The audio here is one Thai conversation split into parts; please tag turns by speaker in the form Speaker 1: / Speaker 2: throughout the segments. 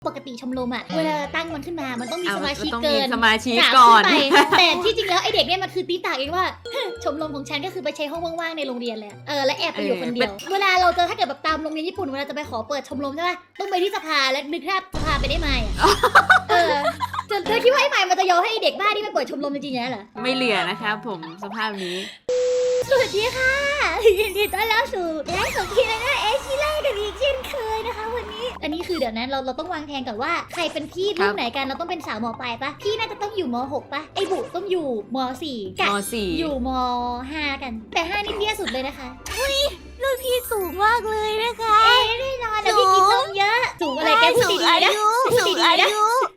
Speaker 1: ปกติชมรมอะเวลาตั้งมันขึ้นมามันต้องมีสมาชิก
Speaker 2: ต้อง
Speaker 1: เกิ
Speaker 2: มี
Speaker 1: น
Speaker 2: สมาชิก
Speaker 1: สาม
Speaker 2: ก่อน
Speaker 1: ขึ้นไปแต่ที่จริงแล้วไอเด็กเนี่ยมันคือตีตากเองว่า ชมรมของฉันก็คือไปใช้ห้องว่างๆในโรงเรียนเลยและแอบไปอยู่คนเดียว เวลาเราเจอถ้าเกิดแบบตามโรงเรียนญี่ปุ่นเวลาจะไปขอเปิดชมรมใช่ป่ะต้องไปที่สภาและนึกภาพสภาไปได้ไหมเธอคิดว่าไอ้ใหม่มันจะยอมให้ไอ้เด็กบ้าที่ไปเปิดชมรมจริงๆเหรอ
Speaker 2: ไม่เหลือนะครับผมสภาพนี้
Speaker 1: สวัสดีค่ะยินดีต้อนรับสู่ไลฟ์ของพี่และน้าเอชิเล่กันอีกเช่นเคยนะคะวันนี้อันนี้คือเดี๋ยวนั้นเราต้องวางแผนก่อนว่าใครเป็นพี่รุ่นไหนกันเราต้องเป็นสาวม.ปลายปะพี่น่าจะต้องอยู่ม.6 ปะไอ้บุต้องอยู่ม.4 กะ
Speaker 2: ม .4
Speaker 1: อยู่ม.5 กันแต่5นี่เตี้ยสุดเลยนะคะ
Speaker 3: รุ่นพี่สูงมากเลยนะคะ
Speaker 1: แน่นอนแต่พี่กินนมเยอะสูงอะไรแกพูดดีๆนะพูดดีๆนะ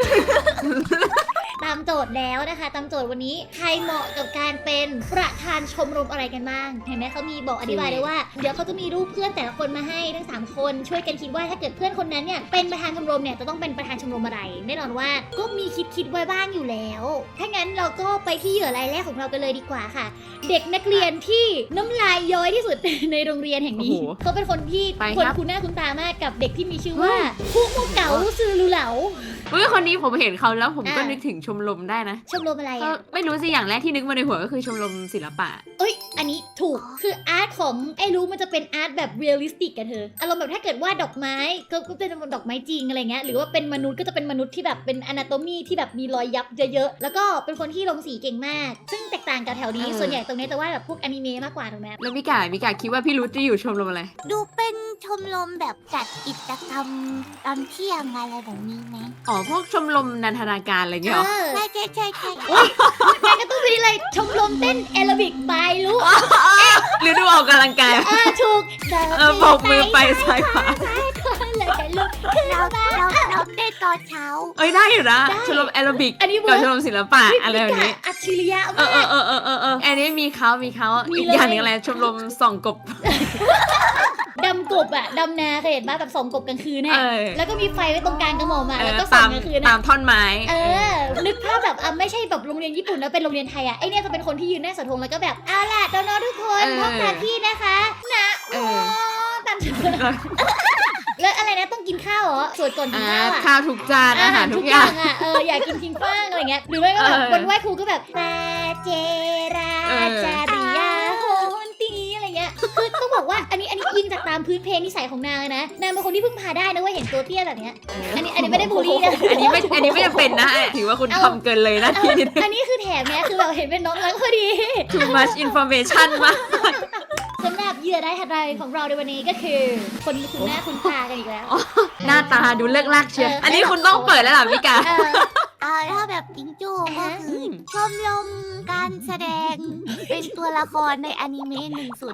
Speaker 1: ตามโจทย์แล้วนะคะตามโจทย์วันนี้ใครเหมาะกับการเป็นประธานชมรมอะไรกันบ้างเห็นไหมเขามีบอกอธิบายเลยว่าเดี๋ยวเขาจะมีรูปเพื่อนแต่ละคนมาให้ทั้ง3คนช่วยกันคิดว่าถ้าเกิดเพื่อนคนนั้นเนี่ยเป็นประธานชมรมเนี่ยจะต้องเป็นประธานชมรมอะไรแน่นอนว่าก็มีคิดไว้บ้างอยู่แล้วถ้างั้นเราก็ไปที่เหยื่อรายแรกของเรากันเลยดีกว่าค่ะ เด็กนักเรียนที่น้ำลายย้อยที่สุด ในโรงเรียนแห่งนี้
Speaker 2: โอ้โห
Speaker 1: เขาเป็นคนที่
Speaker 2: ไป
Speaker 1: คน
Speaker 2: ครับ
Speaker 1: คุ้นหน้าคุ้นตามากกับเด็กที่มีชื่อว่าผู้มุกเก๋าซือลูเหลา
Speaker 2: เฮ้ยคนนี้ผมเห็นเขาแล้วผมก็
Speaker 1: อ่านึ
Speaker 2: นึกถึงชมรมได้นะ
Speaker 1: ชมรมอะไร
Speaker 2: ก็
Speaker 1: อ่ะ
Speaker 2: ไม่รู้สิอย่างแรกที่นึกมาในหัวก็คือชมรมศิลปะ
Speaker 1: เอ้ยอันนี้ถูกคืออาร์ตของไอ้รู้มันจะเป็นอาร์ตแบบเรียลลิสติกกันเธออารมณ์แบบถ้าเกิดว่าดอกไม้ก็เป็นดอกไม้จริงอะไรเงี้ยหรือว่าเป็นมนุษย์ก็จะเป็นมนุษย์ที่แบบเป็นอนาโตมีที่แบบมีรอยยับเยอะๆแล้วก็เป็นคนที่ลงสีเก่งมาก ซึ่งแตกต่างกับแถวนี้
Speaker 2: เออ
Speaker 1: ส่วนใหญ่ตรงนี้จะว่าแบบพวกอนิเมะมากกว่าถูกไหม
Speaker 2: แล้วมิกาคิดว่าพี่รุธจะอยู่ชมรมอะไร
Speaker 3: ดูเป็นชมรมแบบจัดกิจกรรมตอนเที่ยงอะไรแบบนี้ไหม
Speaker 2: อ๋อพวกชมรมนันทนาการอะไรเงี้ยเหรอ
Speaker 3: ใช่ใช่
Speaker 1: แม่ก็ต้องมีอะไรชมรมเต้นแอโรบิกบายลูก
Speaker 2: หรือดูออกกำลังกาย
Speaker 1: ถูก
Speaker 2: โบกมือไปซ้ายขวา
Speaker 1: เลยกันลูก
Speaker 3: เราเต้นตอนเช้า
Speaker 2: เอ้ยได้อยู่นะ
Speaker 1: ได้
Speaker 2: ชมรมแอโรบิก
Speaker 1: อันนี้
Speaker 2: กับ
Speaker 1: เวิร์
Speaker 2: ช
Speaker 1: ก
Speaker 2: มรมศิลปะอะไรแบบนี้
Speaker 1: อัจฉริยะ
Speaker 2: เอ
Speaker 1: มาก
Speaker 2: ออันนี้มีเขา
Speaker 1: มี
Speaker 2: อีก
Speaker 1: เลย
Speaker 2: อย่างหนึงอะไรชมรมส่องกบ
Speaker 1: ดำกบอะดำนาเคยเห็นป่ะแบบส่องกบกลางคืนน่ะ
Speaker 2: เออ
Speaker 1: แล้วก็มีไฟไว้ตรงกลางกระหม่อมอะ
Speaker 2: เอ
Speaker 1: แล้ว
Speaker 2: อ
Speaker 1: ก็ส่อ
Speaker 2: ตาง ม
Speaker 1: กลางคืน
Speaker 2: ตา
Speaker 1: น่ะ
Speaker 2: มท่อนไม้
Speaker 1: นึกภาพแบบไม่ใช่แบบโรงเรียนญี่ปุ่นนะเป็นโรงเรียนไทยอะไอเนี่ยจะเป็นคนที่ยืนหน้าเสาธงแล้วก็แบบเอาล่ะน้องๆทุกคนพบกันที่นะคะนะ
Speaker 2: เออ
Speaker 1: ตามชื่อแล้วอะไรนะต้องกินข้าวเหรอสวดก่อนกินข้าวอะ
Speaker 2: ข้าวทุกจานอาหารทุกอย่าง
Speaker 1: อะอยากกินทิ้งกว้างอะไรเงี้ยหรือไม่ก็แบบ
Speaker 2: เออ
Speaker 1: วันไหว้ครูก็แบบซาเจรา
Speaker 2: เออ
Speaker 1: จาริยาโฮนตีอะไรเงี้ยคือต้องบอกว่าอันนี้อิงจากตามพื้นเพนิสัยของนางเลยนะนางเป็นคนที่พึ่งพาได้นะเว่าเห็นตัวเตี้ยแบบเนี้ยอันนี้ไม่ได้บูลลี่นะ
Speaker 2: อันนี้ไม่จำเป็นนะ ถือว่าคุณทำเกินเลยนะที่นิดนึง
Speaker 1: อันนี้คือแถมเนี้ยคือเราเห็นเป็นน้องรักพอดี
Speaker 2: too much information มาก
Speaker 1: สำหรับเหยื่อได้ถัดไปของเราในวันนี้ก็คือคนคุณหน้าคุณตากันอีกแล้ว
Speaker 2: หน้าตาดูเลิกลากเชียว
Speaker 1: เอออั
Speaker 2: อันนี้คุณต้องเปิดแล้วล่ะมิกา
Speaker 3: ถ้าแบบจิงจูก็คือชมรมการแสดงเป็นตัวละครในอนิเมะ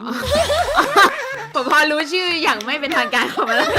Speaker 3: 101
Speaker 2: ผมพอรู้ชื่ออย่างไม่เป็นทางการของมันแล้ว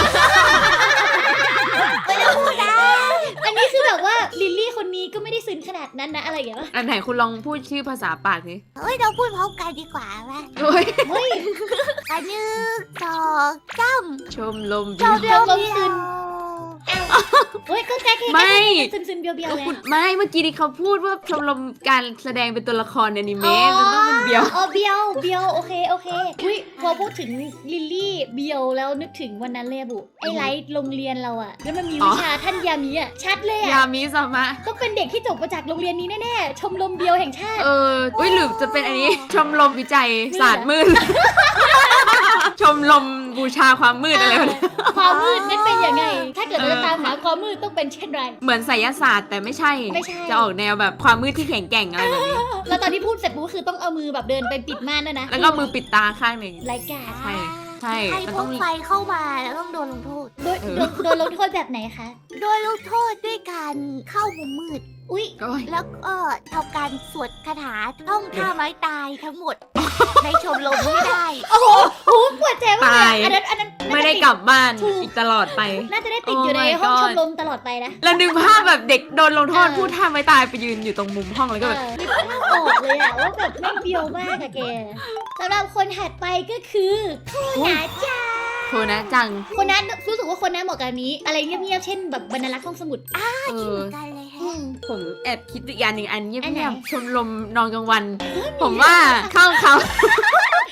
Speaker 3: ไม่ได้พูดนะ
Speaker 1: อันนี้คือแบบว่าลิลลี่คนนี้ก็ไม่ได้ซึ้งขนาดนั้นนะอะไรอย่างเงี้ย
Speaker 2: อันไหนคุณลองพูดชื่อภาษาปากสิ
Speaker 3: เฮ้ยเราพูดพร้อมกันดีกว่าไหม
Speaker 2: โอ้ย
Speaker 1: เฮ้ย
Speaker 3: อันหนึ่งสองสาม
Speaker 2: ชมรม
Speaker 1: ชมรม
Speaker 3: เดียว
Speaker 1: เฮ้ยก็แค่
Speaker 2: ไม่
Speaker 1: ซึมๆเบียวๆ
Speaker 2: ก็
Speaker 1: ไง
Speaker 2: คุณไม่เมื่อกี้ที่เขาพูดว่าชมรมการแสดงเป็นตัวละครในอนิเมะมันต้องเป็นเบียว
Speaker 1: อ๋อเบียวโอเคอุ้ยพอพูดถึงลิลลี่เบียวแล้วนึกถึงวันนั้นเลยอะบุไอไลท์โรงเรียนเราอะแล้วมันมีวิชาท่านยามีอะชัดเลย
Speaker 2: ยา
Speaker 1: อะ
Speaker 2: มิสมะ
Speaker 1: ต้องเป็นเด็กที่จบมาจากโรงเรียนนี้แน่ๆชมรมเบียวแห่งชาติ
Speaker 2: อุ้ยหรือจะเป็นอันนี้ ชมรมวิจัยศาสตร์มืด ชมรมบูชาความมืดอะไรแบบนี้
Speaker 1: ความมืดนั้นเป็นยังไง ถ้าเกิดเราจะตามหาความมืดต้องเป็นเช่นไร
Speaker 2: เหมือนไสยศาสตร์แต่ไม่ใช่
Speaker 1: ไม่ใช่
Speaker 2: จะออกแนวแบบความมืดที่แข็งแกร่งอะไรแบบนี้
Speaker 1: แล้วตอนที่พูดเสร็จปุ๊บคือต้องเอามือแบบเดินไปปิดม่านด้วยนะ
Speaker 2: แล้วก็มือปิดตาข้างหนึ่ง
Speaker 1: รายการ
Speaker 2: ใช่ ใช่
Speaker 3: ให้
Speaker 2: มัน
Speaker 3: พ
Speaker 2: ต้
Speaker 3: ว
Speaker 2: อก ง
Speaker 3: ไฟเข้ามาแล้วต้องโดนลงโทษ
Speaker 1: โดนลงโทษแบบไหนคะ
Speaker 3: โดนลงโทษด้วยการเข้ามุมมืด
Speaker 1: อุ้ย
Speaker 2: โอ้ย
Speaker 3: แล้วก็ทำการสวดคาถาท่องท่าไม้ตายทั้งหมด ในชมรมไม่ได้
Speaker 1: โอ้โหปวดใจมากเลยอันนั้น
Speaker 2: ไม่ได้กลับบ้าน
Speaker 1: ถูก
Speaker 2: อีกตลอดไป
Speaker 1: น่าจะได้ติดอยู่ใน
Speaker 2: Oh my
Speaker 1: ห้อง
Speaker 2: God
Speaker 1: ชมรมตลอดไปนะ
Speaker 2: แล้วนึกภาพแบบเด็กโดนลงโทษ
Speaker 1: เออ
Speaker 2: พูดท่าไม่ตายไปยืนอยู่ตรงมุมห้องแล้วก็แบบ
Speaker 1: นึกภาพออกเลยอะว่าแบบแม่งเบียวมากอะแกสำหรับคนถัดไปก็คือโคนาจ้า
Speaker 2: โทนะจัง
Speaker 1: คนนั้นรู้สึกว่าคนนั้นเหมาะกับอันนี้ อะไรเงียบๆเช่นแบบบรรณารักษ์ห้องสมุด
Speaker 2: เอ
Speaker 3: คิด
Speaker 2: อ
Speaker 3: เหมือนกันเลย
Speaker 1: อื
Speaker 3: ฮะ
Speaker 1: ม
Speaker 2: ผมแอบคิดอีกอย่างหนึ่งอันเงี
Speaker 1: อันไหน
Speaker 2: ยบๆชมรมนอนกลางวัน ผมว่าเข้าเขา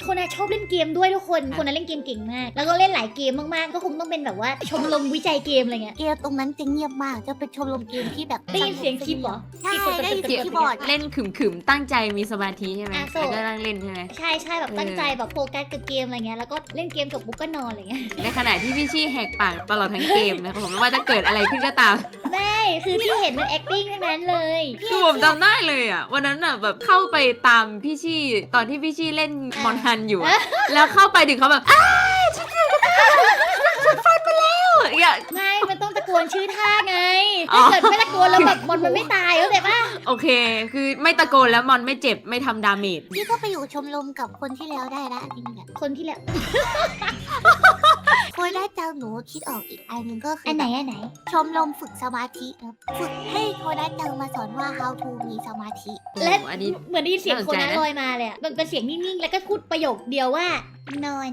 Speaker 1: คนน่ะชอบเล่นเกมด้วยทุกคนคนนั้นเล่นเกมเก่งมากแล้วก็เล่นหลายเกมมากๆก็คงต้องเป็นแบบว่าชมรมวิจัยเกมอะไรเงี้ย
Speaker 3: เกมตรงนั้นจะเงียบมากจะเป็นชมรมเกมที่แบบ
Speaker 1: ได้ยินเสียงคีย์บอร์ด
Speaker 3: ใช่ได้ยินเสียงคีย์บอร์ด
Speaker 2: เล่นขึมๆตั้งใจมีสมาธิใช่ไหม
Speaker 1: อ่ะ
Speaker 2: แล้วก็นั่งเล่นใช่ไหม
Speaker 1: ใช่แบบตั้งใจแบบโฟกัสกับเกมอะไรเงี้ยแล้วก็เล่นเกมจบปุ๊บก็นอนอะไรเงี้ย
Speaker 2: ในขณะที่พี่ชี่แหกปากตลอดทั้งเกมนะครับผมไม่ว่าจะเกิดอะไรขึ้นก็ตาม
Speaker 1: ไม่คือที่เห็นมัน acting ทั้งนั้นเลย
Speaker 2: คือผมจำได้เลยอ่ะวันนั้นอ่ะแบบเข้าไปตามพี่ชี่ตอนที่พี่ชี่เล่นมอนฮันอยู่อะแล้วเข้าไปถึงเขาแบบอ้าฉันเจอกระต่ายฉันฟันมาแล้วอย่า
Speaker 1: ไม่มันต้องตะโกนชื่อท่าไง
Speaker 2: อ๋อ
Speaker 1: ถ้าเกิดไม่ตะโกนแล้วแบบมันไม่ตายเข้าใจปะ
Speaker 2: โอเค คือไม่ตะโกนแล้วมอนไม่เจ็บไม่ทำดาเมจ
Speaker 3: พี่ก็ไปอยู่ชมรมกับคนที่แล้วได้ละจริงๆอะ
Speaker 1: คนที่แล้ว
Speaker 3: คนได้เจ้าหนูคิดออกอีกอันหนึงก็คือ
Speaker 1: อั
Speaker 3: อั
Speaker 1: นไหน
Speaker 3: ชมรมฝึกสมาธิครับฝึกให้โคนัสจังมาสอนว่า how to มีสมาธิ
Speaker 1: และ
Speaker 2: อันนี้
Speaker 1: เหมือนได้ยินเสียง
Speaker 2: น่าสน
Speaker 1: คน
Speaker 2: ใจ
Speaker 1: นั้น
Speaker 2: นะ
Speaker 1: ลอยมาเลยอะมันเป็นเสียงนิ่งๆแล้วก็พูดประโยคเดียวว่า นอน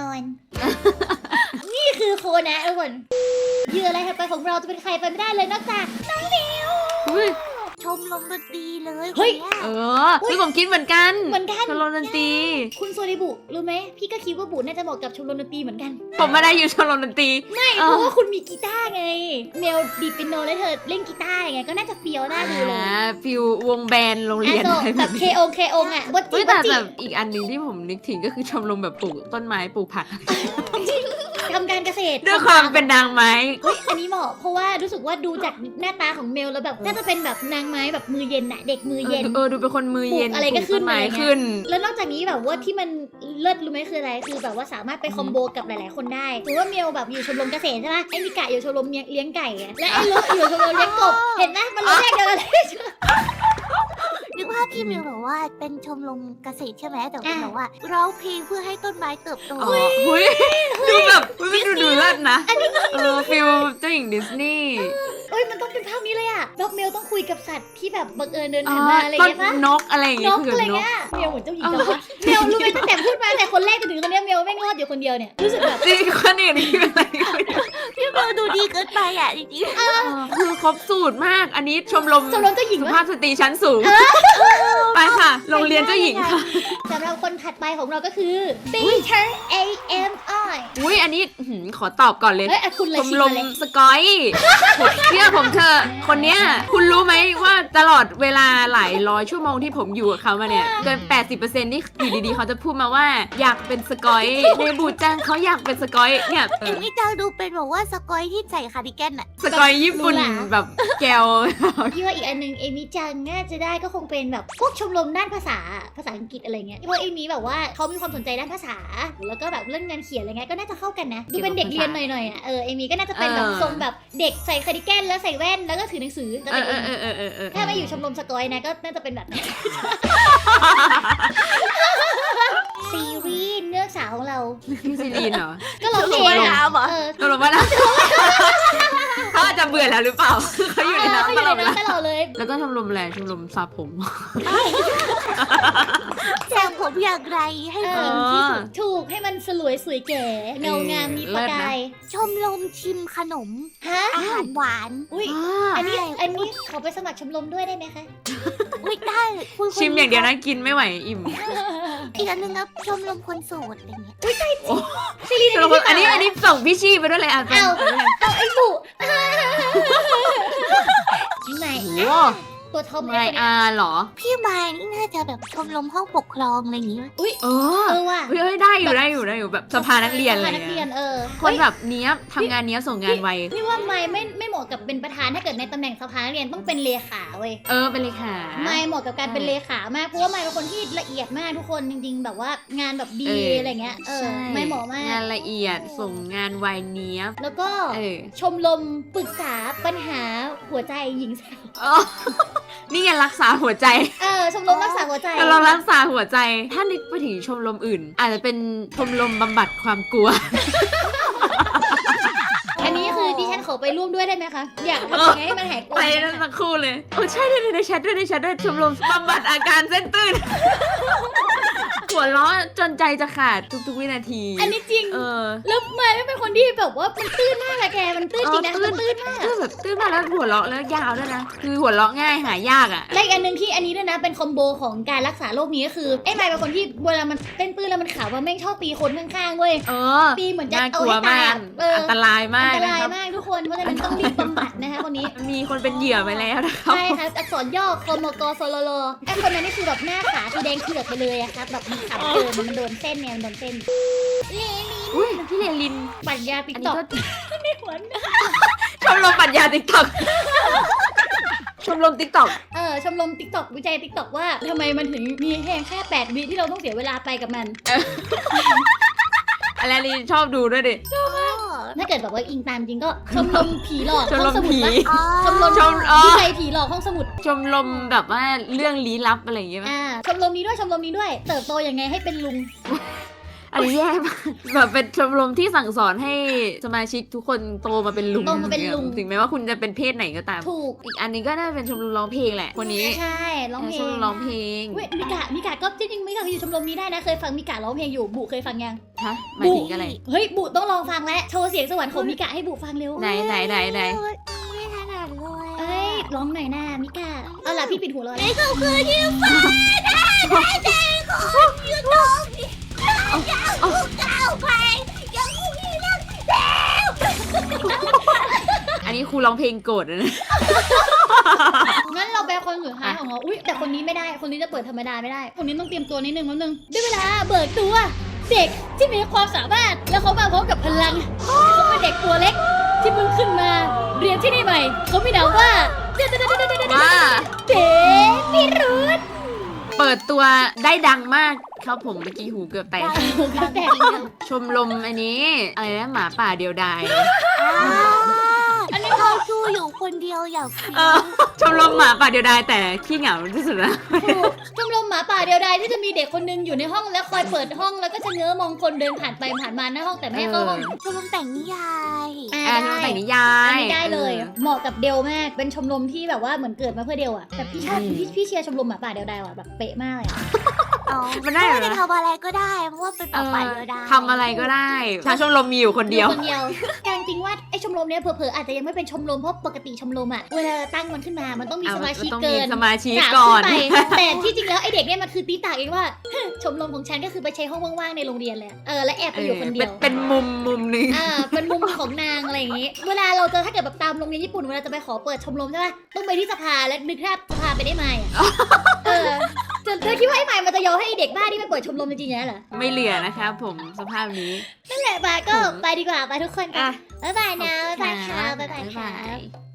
Speaker 1: นี่คือโคนะทุกคนเหยื่ออะไรไปของเราจะเป็นใครไปไม่ได้เลยนอกจาก
Speaker 2: อุ๊ย
Speaker 3: ชมรมดนตรีเลย
Speaker 1: เฮ้ย
Speaker 3: คน
Speaker 2: เอ
Speaker 3: นี้
Speaker 2: อคือผมคิดเหมือนกัน
Speaker 1: เหมือนกัน
Speaker 2: ชมรมดนตรี
Speaker 1: คุณโซริบุรู้ไหมพี่ก็คิดว่าบุน่าจะเหมาะกับชมรมดนตรีเหมือนกัน
Speaker 2: ผมไม่ได้อยู่ชมรมดนตรี
Speaker 1: ไม่
Speaker 2: เอ
Speaker 1: เพ
Speaker 2: อ
Speaker 1: ราะว่าคุณมีกีตาร์ไงเมลดีดเปียโนแล้วเธอเล่นกีตาร์ไงก็น่าจะเฟี้ยวน่าดูเลย
Speaker 2: ฟิววงแบนด์โรงเรียน
Speaker 1: โซ
Speaker 2: อะไร
Speaker 1: แบบเคองอ่ะบด
Speaker 2: เฮ้
Speaker 1: จิ
Speaker 2: ย
Speaker 1: บ
Speaker 2: แต่
Speaker 1: ดจิ
Speaker 2: แบบอีกอันหนึ่งที่ผมนึกถึงก็คือชมรมแบบปลูกต้นไม้ปลูกผัก
Speaker 1: ทำการเกษตร
Speaker 2: ด้วยความเป็นนางไม้
Speaker 1: เฮ้ยอันนี้เหมาะเพราะว่ารู้สึกว่าดูจากหน้าตาของเมลแล้วแบบน่าจะเป็นแบบนางไม้แบบมือเย็นอะเด็กมือเย็น
Speaker 2: ดูเป็นคนมือเย็น
Speaker 1: ปลูกอะไรก็ขึ้น
Speaker 2: ปลูต้ไม้
Speaker 1: อะไรเงี้ย
Speaker 2: ขึ้น
Speaker 1: แล้วนอกจากนี้แบบว่าที่มันเลิศรู้ไหมคืออะไรคือแบบว่าสามารถไปคอมโบกับหลายๆคนได้ถือว่าเมลแบบอยู่ชมรมเกษตรใช่ไหมไอ้มิกะอยู่ชมรมเลี้ยงไก่อะและไอ้ลุอยู่ชมรมเลี้ยงกบเห็นไหมมันรู้แยกเดียวกันเลย
Speaker 3: นึกว่าพี่มิวแบบว่าเป็นชมรมเกษตรใช่ไหมแต่เป็นแบบว่าร้องเพลงเพื่อให้ต้นไม้เติบโต
Speaker 2: อ๋อหุ้ยดูแบบมันดูเลิศนะฟิลเจ้าหญิงดิสนีย์
Speaker 1: เอ้ยมันต้องเป็นภาพนี้เลยอะแบบเมลต้องคุยกับสัตว์ที่แบบบังเอิญเดิน
Speaker 2: อ๋อ
Speaker 1: ผ่านมาอะไร
Speaker 2: ต้น
Speaker 1: เงี้ยปะ
Speaker 2: นกอะไรอย่าง
Speaker 1: น
Speaker 2: เงี้ย
Speaker 1: ก
Speaker 2: คือ
Speaker 1: อะไร
Speaker 2: นก
Speaker 1: เงี้ยเมลเหมือนเจ้าหญิงจังวะเมลรู้ไหมตั้งแต่พูดมาแต่คนแรกจนถึงคนเนี้ยเมลแม่งรอดอยู่คนเดียวเนี่ยรู้สึกแบบ
Speaker 2: จริงคนอื่นคืออะไร
Speaker 3: พี่มิวดูดีเกินไปอ่ะจริง
Speaker 2: คือครบสูตรมาก อันนี้ชมรม
Speaker 1: ชมรมเจ้าหญิง
Speaker 2: สุ
Speaker 1: วะ
Speaker 2: ภาพสตรีชั้นสูง ไปค่ะ โรงเรียนเจ้าหญิงค่ะ
Speaker 1: สำหรับคนถัดไปของเราก็คือ Teacher AMI
Speaker 2: อุ้ยอันนี้ขอตอบก่อนเลย
Speaker 1: เฮ้ยอ่ะคุณ
Speaker 2: ช
Speaker 1: เลย
Speaker 2: ม
Speaker 1: ชิม
Speaker 2: ร
Speaker 1: มาม เลย
Speaker 2: สกอยเชื่อผมเธอะคนเนี้ยคุณรู้ไหมว่าตลอดเวลาหลายร้อยชั่วโมงที่ผมอยู่กับเขามาเนี่ยเกิน 80%นี่อยู่ดีๆเขาจะพูดมาว่าอยากเป็นสกอยในบูจังเขาอยากเป็นสกอยเนี่ย
Speaker 3: ๆเอ็มนี่จะดูเป็นแบบว่าสกอยที่ใส่คาร์ดิแกนอ่ะ
Speaker 2: สกอยญี่ปุ่นแบบแก้ว
Speaker 1: พี่ว่าอีกอันหนึงเอมิจังน่าจะได้ก็คงเป็นแบบพวกชมรมด้านภาษาอังกฤษอะไรเงี้ยเพราะว่าเอมิแบบว่าเขามีความสนใจด้านภาษา แล้วก็แบบเรื่องงานเขียนอะไรเงี้ยก็น่าจะเข้ากันนะดูเป็นเด็กเรียนหน่อยๆอ่ะเอมิก็น่าจะเป็นแบบทรงแบบเด็กใส่คาร์ดิแกนแล้วใส่แว่นแล้วก็ถือหนังสือก็เป็นเอมิถ้าไม่อยู่ชมรมสกอยนะก็น่าจะเป็นแบบนั้น ซีรีส์เนื้อสาวของเรา
Speaker 2: พี่ซิลีนเหรอ
Speaker 1: ก็ร้องเพลง
Speaker 3: ชมรม
Speaker 1: อะ
Speaker 3: น้ำเหรอ
Speaker 2: ตกลงว่าเขาอาจจะเบื่อแล้วหรือเปล่า เขาอยู่ใน
Speaker 1: เขาอ
Speaker 2: น้ำต
Speaker 1: ยู่
Speaker 2: ล
Speaker 1: ใน
Speaker 2: อดเวลา
Speaker 1: น้ำตลอดเลย
Speaker 2: แล้วก็ชมรมอะไรชมรมสระผม
Speaker 3: แซมผมอย่างไรให้ฟินที่สุด
Speaker 1: ถูกให้มันสลวยสวยแก่เงางามมีประกาย
Speaker 3: ชมรมชิมขนม
Speaker 1: ฮะ
Speaker 3: อาหารหวาน
Speaker 1: อุ้ยอันนี้ขอไปสมัครชมรมด้วยได้ไหมคะ
Speaker 3: ไม่ได้คุณ
Speaker 2: ชิมอย่างเดียวนะกินไม่ไหวอิ่ม
Speaker 3: อีกอันหนึงครับชมรมคนโสดอะไรเงี้ย
Speaker 1: ซีรีส์
Speaker 2: ชมรมอันนี้ส่งพี่ชี่ไปด้วยเลยอ่ะเป็น
Speaker 1: เอาไอ้บุไหน
Speaker 2: โอ้โห
Speaker 1: ตัวทอม
Speaker 2: ไงอาเหรอ
Speaker 3: พี่มายนี่น่าจะแบบชมรมห้องปกครองอะไรอย่างงี้
Speaker 2: เออ
Speaker 1: ว่ะ
Speaker 2: เฮ้ยได้อยู่แบบสภานักเรียนอะไร
Speaker 1: นักเรีย
Speaker 2: เงี้
Speaker 1: น
Speaker 2: ยคนแบบเนี้ยบทำงานเนี้ยบส่งงานไว
Speaker 1: พี่ว่าไม่เหมาะกับเป็นประธานถ้าเกิดในตำแหน่งสภานักเรียนต้องเป็นเลขาเว้ย
Speaker 2: เป็นเลยค่ะ
Speaker 1: ไม่เหมาะกับการเป็นเลขามากเพราะว่าไม่เป็นคนที่ละเอียดมากทุกคนจริงๆ แบบว่างานแบบดีอะไรเงี้ยไม่เหมาะมาก
Speaker 2: งานละเอียดส่งงานไวเนี้ยบ
Speaker 1: แล้วก็ ชมรมปรึกษาปัญหาหัวใจหญิงสาว
Speaker 2: นี่ไงรักษาหัวใจ
Speaker 1: ชมรมรักษาหัวใจ
Speaker 2: เรารักษาหัวใจ ถ้านึกไปถึงชมรมอื่น อาจจะเป็นชมรมบำบัดความกลัว
Speaker 1: อันนี้คือดิฉันขอไปร่วมด้วยได้ไหมคะอยากทำยังไงให้มันหายกลัว
Speaker 2: ไปนั่นสักครู่เลยใช่ด้วยในแชทด้วยชมรมบำบัดอาการเส้นตื้นหัวเราะจนใจจะขาดทุกๆวินาที
Speaker 1: อันนี้จริง แล้วมายไม่เป็นคนที่แบบว่ามันตื้นมากอะแกมันตื้นจริงนะมันตื้นมาก
Speaker 2: ตื้นมากแล้วหัวเราะแล้วยาวด้วยนะคือหัวเราะง่ายหายากอ่ะ
Speaker 1: และอีกอันหนึ่งที่อันนี้ด้วยนะเป็นคอมโบของการรักษาโรคนี้ก็คือไอ้มายเป็นคนที่เวลามันเต้นปื้นแล้วมันขาวว่าแม่งชอบตีคนข้างๆเว้ยตีเหมือนจะ
Speaker 2: น่า
Speaker 1: เอา
Speaker 2: กลัว
Speaker 1: ให้ตาม
Speaker 2: าย ก
Speaker 1: อะ
Speaker 2: อันตรายมา
Speaker 1: อั
Speaker 2: ก
Speaker 1: นต
Speaker 2: นะ
Speaker 1: ราย
Speaker 2: ครับ
Speaker 1: มากทุกคนเพราะฉะนั้นต้องรีบบำบัดนะคะคนนี้
Speaker 2: มีคนเป็นเหยื่อไปแล้วนะครับ
Speaker 1: ใช่ครับอักษรย่อคมกสลลไอ้คนนั้นนี่คือแบบหน้าขาคือแดงเผือกไปเลยอะครับแบบมันขำเกินมันโดนเส้นเนี่ยมันโดนเส้น
Speaker 2: อุ้ยพี่เลลิน
Speaker 1: ปัญญาติ๊ก
Speaker 2: อัน
Speaker 1: ต็
Speaker 2: นี้
Speaker 1: อก
Speaker 2: ก็
Speaker 1: ไม่หวน
Speaker 2: ชมรมปรัชญาติ๊กต็อกชมรมติ๊กต็อก
Speaker 1: ชมรมติ๊กต็อกวิจัยติ๊กต็อกว่าทำไมมันถึงมีแค่8 วิที่เราต้องเสียเวลาไปกับมัน
Speaker 2: อะไรลินชอบดูด้วยดิ
Speaker 1: ถ้าเกิดแบบว่าอิงตามจริงก็ชมรมผีหลอก
Speaker 2: ชม
Speaker 1: ห้
Speaker 2: ร
Speaker 1: อง
Speaker 2: ม
Speaker 1: สมุด
Speaker 2: ผี
Speaker 1: ปะชมรม
Speaker 2: ชม
Speaker 1: วิจัยผีหลอกห้องสมุด
Speaker 2: ชมรมแบบว่าเรื่องลี้ลับอะไรอย่างเงี้ยป่ะ
Speaker 1: ชมรมนี้ด้วยเติบโตยังไงให้เป็นลุง
Speaker 2: อันนี้แย่มากแบบเป็นชมรมที่สั่งสอนให้สมาชิกทุกคนโตมาเป็นลุง
Speaker 1: โตมาเป็นลุง
Speaker 2: ถึงแม้ว่าคุณจะเป็นเพศไหนก็ตาม
Speaker 1: ถูก
Speaker 2: อีกอันนี้ก็น่าเป็นชมรมร้องเพลงแหละคนนี้
Speaker 1: ใช่ร้องเพล
Speaker 2: ชม
Speaker 1: ง
Speaker 2: รมร้องเพลง
Speaker 1: เว้ยมิกะก็จริงๆมิกะอยู่ชมรมนี้ได้นะเคยฟังมิกะร้องเพลงอยู่บุเคยฟังยัง
Speaker 2: ฮะหมายถึงอะไร
Speaker 1: เฮ้ยบุต้องลองฟังแล้วโชว์เสียงสวรรค์ของมิกะให้บุฟังเร็ว
Speaker 2: ไหน
Speaker 3: ไม่ถนัดเลย
Speaker 1: เอ้ยร้องหน่อยหน้ามิกะเอาล่ะพี่ปิดหูเลย
Speaker 3: นี่ก็คือที่ฟ้าได้ใจของยูทูบยังคงก้าวไปยังคงมีเรื่อง
Speaker 2: อันนี้ครูร้องเพลงโกรธนะ
Speaker 1: งั้นเราไปคนสุดท้ายของเราอุ้ยแต่คนนี้ไม่ได้คนนี้จะเปิดธรรมดาไม่ได้คนนี้ต้องเตรียมตัวนิดนึงได้เวลาเบิกตัวเด็กที่มีความสามารถแล้วเขามาพร้อมกับพลังเขาเป็นเด็กตัวเล็กที่เพิ่งขึ้นมาเรียนที่นี่ใหม่เขามีนามว่า
Speaker 2: ว่า
Speaker 1: เด็กพิรุธ
Speaker 2: เปิดตัวได้ดังมากครับผมเมื่อกี้หูเกือบแตก
Speaker 1: เขาแต่
Speaker 2: ชมรมอันนี้อะไรนะหมาป่าเดียวดาย
Speaker 3: อันนี้เขาดูอยู่คนเดียวอยากฟิ
Speaker 2: ชมรมหมาป่าเดียวดายแต่ขี้เหงาที่สุดนะ
Speaker 1: ชมรมหมาป่าเดียวดายที่จะมีเด็กคนนึงอยู่ในห้องแล้วคอยเปิดห้องแล้วก็จะเงื้อมองคนเดินผ่านไปผ่านมาหน้าห้องแต่ไม่ให้เข้าห้อง
Speaker 3: ชมรมแต่งนิยาย
Speaker 2: ทำแต่งนิยา
Speaker 1: อัน
Speaker 2: ย
Speaker 1: นี้ได้เลยเหมาะกับเดลมากเป็นชมรมที่แบบว่าเหมือนเกิดมาเพื่อเดลอะแต่พี่ชอบพี่เชียร์ชมรมหมาป่าเดียวดายว่ะแบบเป๊ะมากเลยอะ
Speaker 2: มันได้เหรอ
Speaker 3: จะทำอะไรก็ได้เพราะว่าเป็นป่าป่าเดียวดาย
Speaker 2: ทำอะไรก็ได้ชาวชมรมมีอยู่คนเดียว
Speaker 1: คนเดียวการจริงว่าไอชมรมเนี้ยเผลอๆอาจจะยังไม่เป็นชมรมเพราะปกติชมรมอะเวลาตั้งมันขึ้นมามันต้องมีสมาชิก
Speaker 2: ต้อง
Speaker 1: เกิ
Speaker 2: มี
Speaker 1: น
Speaker 2: สมาชิก
Speaker 1: สาม
Speaker 2: ก่อน
Speaker 1: ขึ้นไปแต่ที่จริงแล้วไอเด็กเนี่ยมันคือตีตากเองว่า ชมรมของฉันก็คือไปใช้ห้องว่างๆในโรงเรียนเลยและแอบไปอยู่คนเดียว
Speaker 2: เป็นมุมหนึ่ง
Speaker 1: เป็นมุมของนางอะไรอย่างงี้ เวลาเราเจอถ้าเกิดแบบตามโรงเรียนญี่ปุ่นเวลาจะไปขอเปิดชมรมใช่ป่ะต้องไปที่สภาและนึกภาพสภาไปได้ไหมเธอคิดว่าไอ้ใหม่มันจะยอมให้ไอ้เด็กบ้าที่ไปเปิดชมรมจริงๆเหรอ
Speaker 2: ไม่เหลือนะครับผมสภาพนี้
Speaker 1: นั่นแหละบายก็ไปดีกว่าไปทุกคน
Speaker 2: อ่ะ
Speaker 1: บ๊ายบายนะบ๊ายบายค่ะบ๊ายบายค่ะ
Speaker 2: บ๊ายบาย